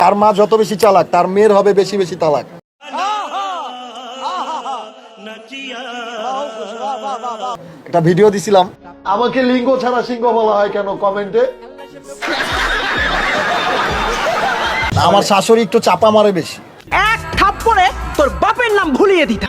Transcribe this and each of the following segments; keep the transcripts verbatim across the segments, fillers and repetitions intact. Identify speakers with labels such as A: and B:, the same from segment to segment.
A: তার মা যত বেশি চালাক তার মেয়ের হবে বেশি বেশি তালাক। একটা ভিডিও দিছিলাম, আমাকে লিঙ্গ ছাড়া সিংহ বলা হয় কেন কমেন্টে। আমার শাশুড়ি একটু চাপা মারে বেশি।
B: এক থাপ্পড়ে তোর বাপের নাম ভুলিয়ে দিতা।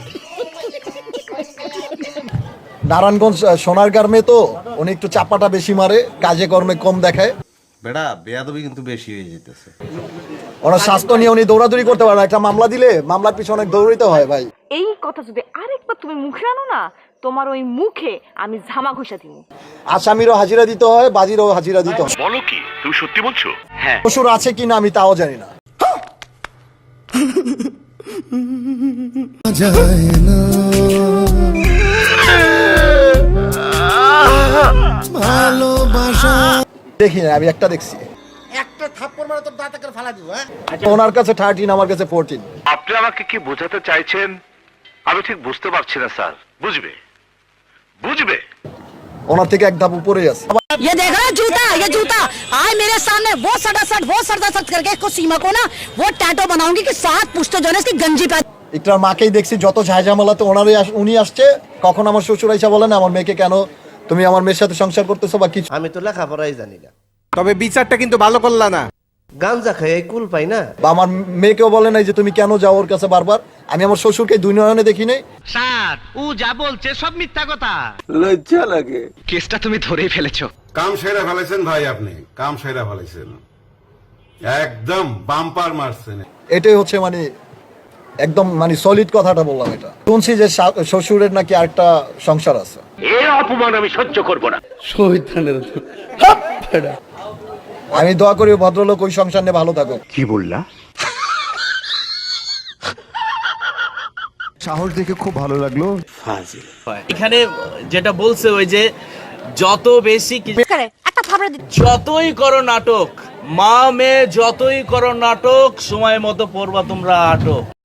A: নারায়ণগঞ্জ সোনারগাঁর মেয়ে তো, উনি একটু চাপাটা বেশি মারে, কাজে কর্মে কম দেখায়।
C: বেটা বেয়াদবি কিন্তু বেশি হয়ে যেতেছে।
A: ওনার স্বাস্থ্য নিয়ে উনি দৌড়াদৌড়ি করতে পারে না। একটা মামলা দিলে মামলার পিছনে অনেক দৌড়িতে হয় ভাই।
D: এই কথা যদি আরেকবার তুমি মুখে আনো না, তোমার ওই মুখে আমি ঝামা ঘষা দিব।
A: আসামিরও হাজিরা দিতে হয়, বাজিরও হাজিরা দিতে হয়।
E: বলো কি, তুমি সত্যি বলছো? হ্যাঁ।
A: শ্বশুর আছে কিনা আমি তাও জানি না। দেখি না, আমি একটা দেখছি।
F: একটা থাপ্পড় মারে তোর দাঁত করে ফালা দিব। হ্যাঁ,
A: ওনার কাছে থার্টিন, আমার কাছে ফোরটিন।
E: আপনি আমাকে কি বোঝাতে চাইছেন আমি ঠিক বুঝতে পারছি না স্যার। বুঝবে বুঝবে
A: ওনার থেকে এক ধাপ উপরেই আছে।
G: ये देख रहा है जूता, ये जूता आए मेरे सामने वो सटा सट वो सटा सट करके इसको सीमा को ना वो टैटो बनाऊंगी कि सात पुश्ते जो है इसकी गंजी पे।
A: একটার মাকেই দেখছি যত ঝাইঝামেলাতে ওনারই আস- উনি আসছে। কখন আমার শ্বশুর আইসা বলেন আমার মেয়েকে কেন তুমি আমার মেয়ের সাথে সংসার করতেছো বা কিছু।
F: আমি তো লেখাপড়াই জানি না,
H: তবে বিচারটা কিন্তু ভালো করলা না।
F: গাঞ্জা খাই কুল পাই না।
A: বা আমার মেয়েকেও বলে নাই যে তুমি কেন যাও ওর কাছে বারবার। আমি আমার শ্বশুরকে দুই নয়নে দেখি নাই।
B: স্যার ও যা বলছে সব মিথ্যা কথা।
I: লজ্জা লাগে।
B: কেসটা তুমি ধরেই ফেলেছো।
J: কাম সেরা ফেলেছেন ভাই, আপনি কাম সেরা ফেলেছেন, একদম বাম্পার মারছেন।
A: এটাই হচ্ছে মানে একদম মানে সলিড কথাটা বললাম। এটা শুনছি যে শা- শ্বশুরের নাকি আরেকটা সংসার আছে।
E: এই অপমান আমি সহ্য করব না।
A: আমি দোয়া করি ওই ভদ্রলোক ওই সংসার নিয়ে ভালো থাকুক।
E: কি বললা?
I: সাহস দেখে খুব ভালো লাগলো।
K: এখানে যেটা বলছে ওই যে যত বেশি কি-
G: একটা থাপড়া দি
K: যতই করো নাটক, মা মেয়ে যতই করো নাটক, সময় মতো পড়বা তোমরা আটক।